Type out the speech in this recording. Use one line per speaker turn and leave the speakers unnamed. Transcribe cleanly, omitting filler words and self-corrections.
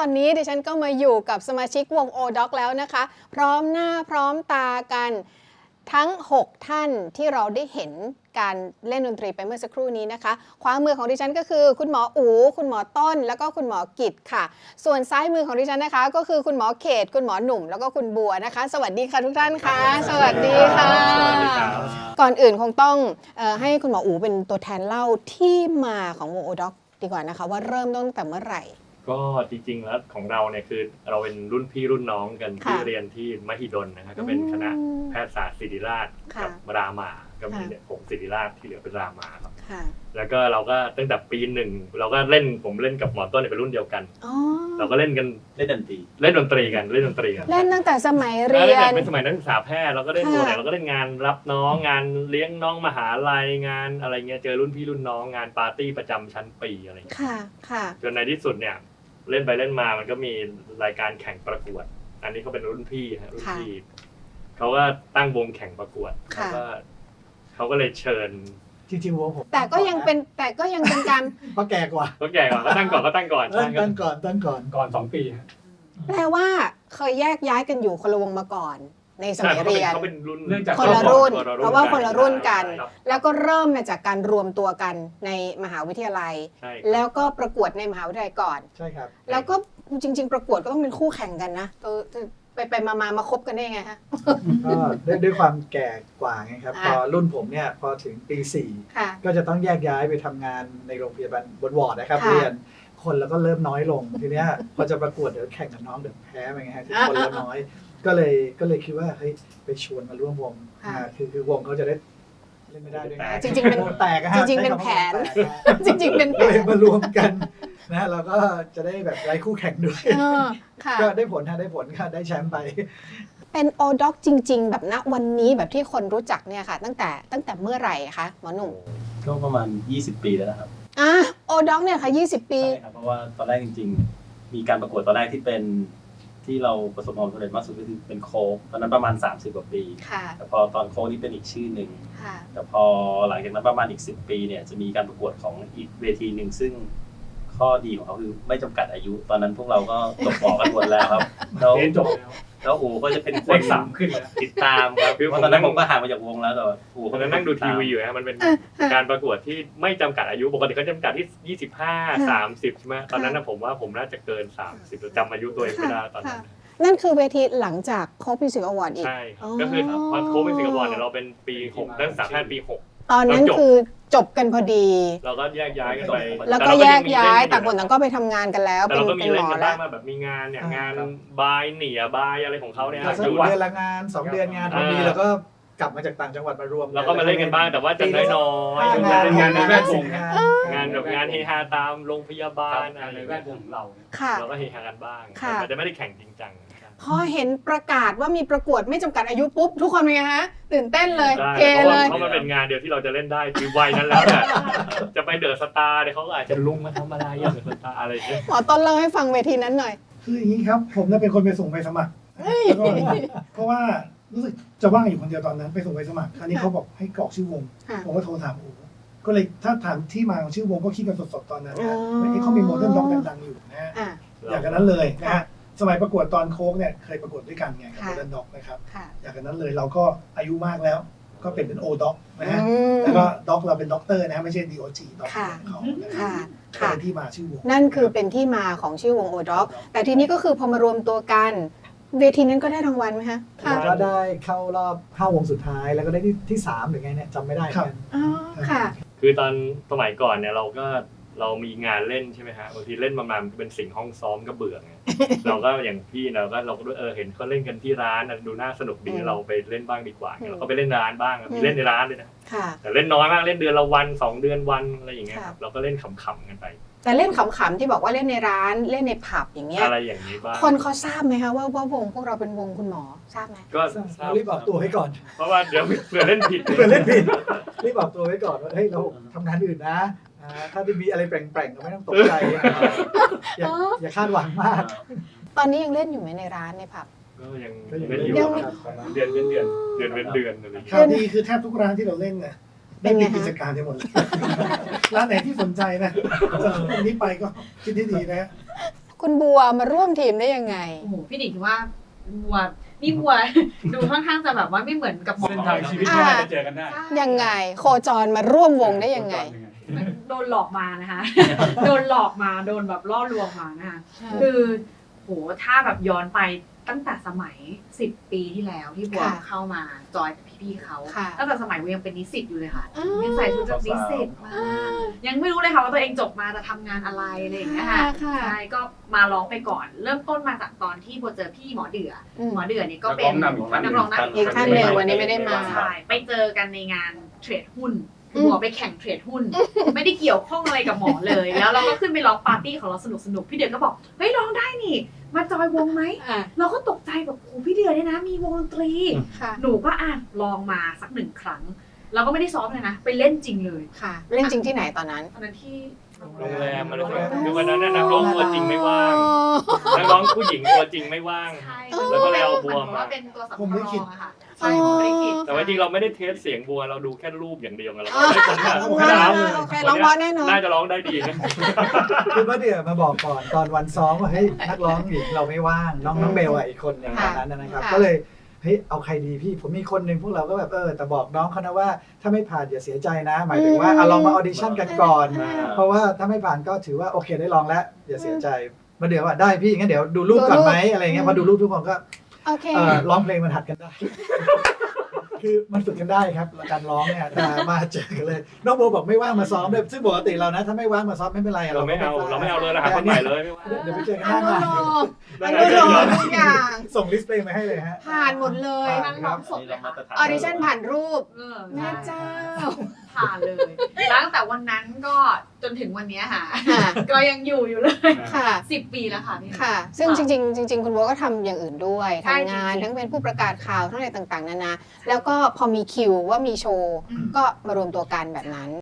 อนนี้ดิฉันก็มาอยู่กับสมาชิกวง O-Dog แล้วนะคะ พร้อมหน้าพร้อมตากันทั้ง 6 ท่านที่เราได้เห็นการเล่นดนตรีไปเมื่อสักครู่นี้นะคะขวามือของดิฉันก็คือคุณหมออู๋คุณหมอต้นแล้วก็คุณหมอกิตค่ะส่วนซ้ายมือของดิฉันนะคะก็คือคุณหมอเขตคุณหมอหนุ่มแล้วก็คุณบัวนะคะสวัสดีค่ะทุกท่านค่ะสวัสดีค่ะก่อนอื่นคงต้องให้คุณหมออู๋เป็นตัวแทนเล่าที่มาของวง O-Dog ดีกว่านะคะว่าเริ่มตั้งแต่เมื่อไหร่
ก็จริงๆแล้วของเราเนี่ยคือเราเป็นรุ่นพี่รุ่นน้องกันที่เรียนที่มหิดลนะครับก็เป็นคณะแพทยศาสตร์ศิริราชกับรามาก็มีผมศิริราชที่เหลือเป็นรามาครับแล้วก็เราก็ตั้งแต่ปีหนึ่งเราก็ผมเล่นกับหมอต้นเป็นรุ่นเดียวกันเราก็เล่นดนตรีกันเล่นดนตรีกัน
เล่นตั้งแต่สมัยเรียน
เป็นสมัยนักศึกษาแพทย์เราก็เล่นตัวไหนเราก็เล่นงานรับน้องงานเลี้ยงน้องมหาลัยงานอะไรเงี้ยเจอรุ่นพี่รุ่นน้องงานปาร์ตี้ประจำชั้นปีอะไรเงี้ยจนในที่สุดเนี่ยเล่นไปเล่นมามันก็มีรายการแข่งประกวดอันนี้เขาเป็นรุ่นพี่ฮะรุ่นพี่เขาก็ตั้งวงแข่งประกวดเขาก็เลยเชิญ
จริงๆวงผม
แต่ก็ยังเป็นการ
ก็แก่กว่า
ก็ตั้งก่อนตั้งก่อน
2 ปี
แปลว่าเคยแยกย้ายกันอยู่คนละวงมาก่อนในสมัยเรียน
เขาเป็นรุ่น
คนละรุ่นเพราะว่าคนละรุ่นกันแล้วก็เริ่มมาจากการรวมตัวกันในมหาวิทยาลัยแล้วก็ประกวดในมหาวิทยาลัยก่อน
ใช่ครับ
แล้วก็จริงๆประกวดก็ต้องเป็นคู่แข่งกันนะไปมาคบกันได้ไงฮะ
ก็ด้วยความแก่กว่าไงครับพอรุ่นผมเนี่ยพอถึงปี4ก็จะต้องแยกย้ายไปทำงานในโรงพยาบาลบนวอร์ดนะครับเรียนคนแล้วก็เริ่มน้อยลงทีเนี้ยพอจะประกวดเดี๋ยวแข่งกับน้องเดี๋ยวแพ้ไปไงฮะที่คนละน้อยก็เลยคิดว่าเฮ้ยไปชวนมาร่วมวงคือวงเขาจะได้เล่นไม่ได้ด้วย
จริงๆเป็น
แตก
จริงๆเป็นแผนจริงๆเป็นแผน
มารวมกันนะเราก็จะได้แบบไร้คู่แข่งด้วยก็ได้ผลค่ะได้แชมป์ไป
เป็น O-Dog จริงๆแบบณวันนี้แบบที่คนรู้จักเนี่ยค่ะตั้งแต่เมื่อไหร่คะหมอหนุ่ม
ก็ประมาณ20 ปีแล้วนะครับ
O-Dog เนี่ยค่ะ20 ปี
ใช่ครับเพราะว่าตอนแรกจริงๆมีการประกวดตอนแรกที่เราประสบความสำเร็จมากสุดก็คือเป็นโค้กตอนนั้นประมาณ30 กว่าปีแต่พอตอนโค้กนี่เป็นอีกชื่อหนึ่งแต่พอหลังจากนั้นประมาณอีก10 ปีเนี่ยจะมีการประกวดของอีกเวทีหนึ่งซึ่งข้อดีของเขาคือไม่จำกัดอายุตอนนั้นพวกเราก็จบป.กันหมดแล้วครับแล้วอู๋ก็จะเป็นคน
3ขึ้น
ติดตามครับเพราะตอนนั้นผมก็ห่างมาจากวงแล้วแต่อู๋
ตอนนั้นนั่งดูทีวีอยู่นะมันเป็นการประกวดที่ไม่จำกัดอายุปกติเขาจำกัดที่25 30ใช่ไหมตอนนั้นผมว่าผมน่าจะเกิน30จำอายุตัวเองไม่ได้ตอนนั้น
นั่นคือเวทีหลังจากโค้กมิวสิกอวอร์ดอีก
ใช่ก็คือพอโค้กมิวสิกอวอร์ดเนี่ยเราเป็นปี6นักศึกษาแพทย์ปี6
ตอนนั้นคือจบกันพอดี
เราก็แยกย้ายกันไป
แล้วก็แยกย้ายต่างคนต่างก็ไปทำงานกันแล้ว
เป็นหมอแล้วแบบมีงานเนี่ยงานบายเหนียบายอะไรของเขาเนี่ย
อยู่เดือนละงาน2 เดือนงานพอดีแล้วก็กลับมาจากต่างจังหวัดมารวม
แล้วก็มาเล่นกันบ้างแต่ว่าจะน้อยๆงานในแวดวงงานแบบงานเฮฮาตามโรงพยาบาลอะไรแวดวงเราก็เฮฮากันบ้างแต่จะไม่ได้แข่งจริงจัง
พอเห็นประกาศว่ามีประกวดไม่จำกัดอายุปุ๊บทุกคนเป็นไงฮะตื่นเต้นเลย
เฮเลยเพราะมันเป็นงานเดียวที่เราจะเล่นได้คือวัยนั้นแล้วเนี่ยจะไปเดอะสตาร์เนี่ยเขาก็อาจจะลุงมาทำอะไรอย่างเดอะสตาร์อะไรอย่างเงี้ย
หมอต้นเล่าให้ฟังเวทีนั้นหน่อย
คืออย่างนี้ครับผมเป็นคนไปส่งใบสมัครเพราะว่ารู้สึกจะว่างอยู่คนเดียวตอนนั้นไปส่งใบสมัครคราวนี้เขาบอกให้กรอกชื่อวงผมก็โทรถามโอ้ก็เลยถ้าถามที่มาของชื่อวงก็คิดกันสดๆตอนนั้นนะเขามีโมเดิร์นด็อกดังๆอยู่นะอย่างนั้นเลยนะฮะสมัยประกวดตอนโค้กเนี่ยเคยประกวดด้วยกันไงกับโมเดิร์นด็อกนะครับอย่างนั้นเลยเราก็อายุมากแล้วก็เป็น O-Dog นะฮะแล้วก็ด็อกเราเป็นด็อกเตอร์นะไม่ใช่ DOG ด็อกเขาเป็นที่มาชื่อวง
นั่นคือเป็นที่มาของชื่อวง O-Dog แต่ทีนี้ก็คือพอมารวมตัวกันเวทีนั้นก็ได้รางวัลไหมฮะ
ก็ได้เข้ารอบ5 วงสุดท้ายแล้วก็ได้ที่3หรือไงเนี่ยจำไม่ได้
ครับค่ะ
คือตอนสมัยก่อนเนี่ยเรามีงานเล่นใช่ไหมฮะบางทีเล่นประมาณเป็นสิ่งห้องซ้อมก็เบื่อไงเราก็อย่างพี่เราก็ด้วยเห็นเขาเล่นกันที่ร้านดูน่าสนุกดีเราไปเล่นบ้างดีกว่าเราก็ไปเล่นร้านบ้างมีเล่นในร้านเลยนะแต่เล่นน้อยมากเล่นเดือนละวัน2 เดือนวันอะไรอย่างเงี้ยครับเราก็เล่นขำๆกันไป
แต่เล่นขำๆที่บอกว่าเล่นในร้านเล่นในผับอย่างเงี้ย
อะไรอย่างนี้บ้าง
คนเขาทราบไหมคะว่าวงพวกเราเป็นวงคุณหมอทราบไหม
ก็
รีบบอกตัวไว้ก่อน
เพราะว่าเดี๋ยวเผื่อเล่นผิด
รีบบอกตัวไว้ก่อนว่าเฮ้ยเราทำงานอื่นนะถ้าที่มีอะไรแปลงๆก็ไม่ต้องตกใจอย่าคาดหวังมาก
ตอนนี้ยังเล่นอยู่ไหมในร้านในผับ
ก็ยังเล่นอยู่เดือนอะไร
ข่าวดีคือแทบทุกร้านที่เราเล่นเนี่ยได้มีกิจการทั้งหมดร้านไหนที่สนใจนะจากนี้ไปก็คิดให้ดีนะ
คุณบัวมาร่วมทีมได้ยังไง
โอ้โหพี่หนิงคิดว่าบัวนี่บัว ดูค่อนข้างจะแบบว่าไม่เหมือนกับหมอ
เส้นทางชีวิตก็น่าจะเจอกันได้
ยังไงโคจรมาร่วมวงได้ยังไง
โดนหลอกมานะคะ โดนหลอกมาโดนแบบล่อลวงมานะคะคือโหถ้าแบบย้อนไปตั้งแต่สมัย10 ปีที่แล้วที่บัว
ค่ะ
เข้ามาจอยกับพี่ๆเขา
ค่ะ
ตั้งแต่สมัยบัวยังเป็นนิสิตอยู่เลยค่ะ
อ้าว
ยังใส่ชุดแบบนิสิตมายังไม่รู้เลยค่ะว่าตัวเองจบมาจะทำงานอะไรอะไรอย่างเงี้ยค่ะ
ค่ะ
ใช่ก็มาร้องไปก่อน เริ่มต้นมาจากตอนที่บัวเจอพี่หมอเดือ
อืม
หมอเดือเนี่ยก็เป็น
นักร้องนำ
นักร้องนำ
อีกท่านหนึ่งวันนี้ไม่ได้มา
ใช่ไปเจอกันในงานเทรดหุ้นคือบัวไปแข่งเทรดหุ้น ไม่ได้เกี่ยวข้องอะไรกับหมอเลย แล้วเราก็ขึ้นไปร้องปาร์ตี้ของเราสนุกๆพี่เดือก็บอกเฮ้ยร้องได้นี่ มาจอยวงไหม
อ่ะ
เราก็ตกใจแบบโอ้พี่เดือเนี่ยนะมีวงดนตรี
ค่ะ
หนูก็ลองมาสัก1 ครั้งเราก็ไม่ได้ซ้อมเลยนะ ไปเล่นจริงเลย
ค่ะ เล่นจริงที่ไหนตอนนั้น
ตอนนั้นที่
โรงแรมอะไรสักอย่างคือวันนั้นน่ะนักร้องตัวจริงไม่ว่างนักร้องผู้หญิงตัวจริงไม่ว่าง
ใช่
แล้วก็เลยเอาบัวมา
เป็นตัวสำร
ผมลิขิ
อ
ต
งอะค่ะใช่ผมลิขิต
แต่ว่าจริงเราไม่ได้เทสเสียงบัวเราดูแค่รูปอย่างเดียวไงเรา
อ๋อ
ได้คนแบบ
โอเคร้องเพราะแน่นอน
น่าจะร้องได้ดีนะ
คือเมื่อเดือนมาบอกก่อนตอนวันซ้อมว่าเฮ้ยนักร้องหญิงเราไม่ว่างน้องเบลอ่ะอีกคนหนึ่งตอนนั้นนะครับ
ค่ะ
ก็เลยเฮ้ยเอาใครดีพี่ผมมีคนหนึ่งพวกเราก็แบบแต่บอกน้องเขานะว่าถ้าไม่ผ่านอย่าเสียใจนะ หมายถึงว่าลองมาออดิชั่นกันก่อน เพราะว่าถ้าไม่ผ่านก็ถือว่าโอเคได้ลองแล้วอย่าเสียใจมาเดี๋ยวว่าได้พี่งั้นเดี๋ยวดูรูปก่อนไหมอะไรเงี้ยพอดูรูปทุกคนก็
โอเค
ร้องเพลงมันหัดกันได้ คือมันฝึกกันได้ครับการร้องเนี่ยแต่มาเจอกันเลยน้องโบบอกไม่ว่างมาซ้อมเลยซึ่งปกติเรานะถ้าไม่ว่างมาซ้อมไม่เป็นไร
เราไม่เอาเลยนะหาคนใหม่เลยไม่ว่า
เดี๋ยวไปเจอกัน
อ
หน้างาน
นุโลมทุกอย่าง
ส่งลิสต์เพลงมาให้เลยฮะ
ผ่านหมดเลย
ทั้งร้องสด
นี่
เล
เรา
ย
มา
ค่ะ
ตรฐาน
ออดิชั่นผ่านรูป
ใช่
แม่เจ้า
ผ่านเลยแล้วตั้งแต่วันนั้นก็จนถึงวันเนี้ยค่ะ
ค่ะ
ก็ยังอยู่เลย
ค่ะ
10 ปีแล้วค่ะพี่
ค่ะ ซึ่งจริงๆจริงๆคุณบัวก็ทำอย่างอื่นด้วย
ใช่
ทำงาน
จริงๆ
ทั้งเป็นผู้ประกาศข่าวทั้งอะไรต่างๆนานาแล้วก็พอมีคิวว่ามีโชว์ ก็มารวมตัวกันแบบนั้น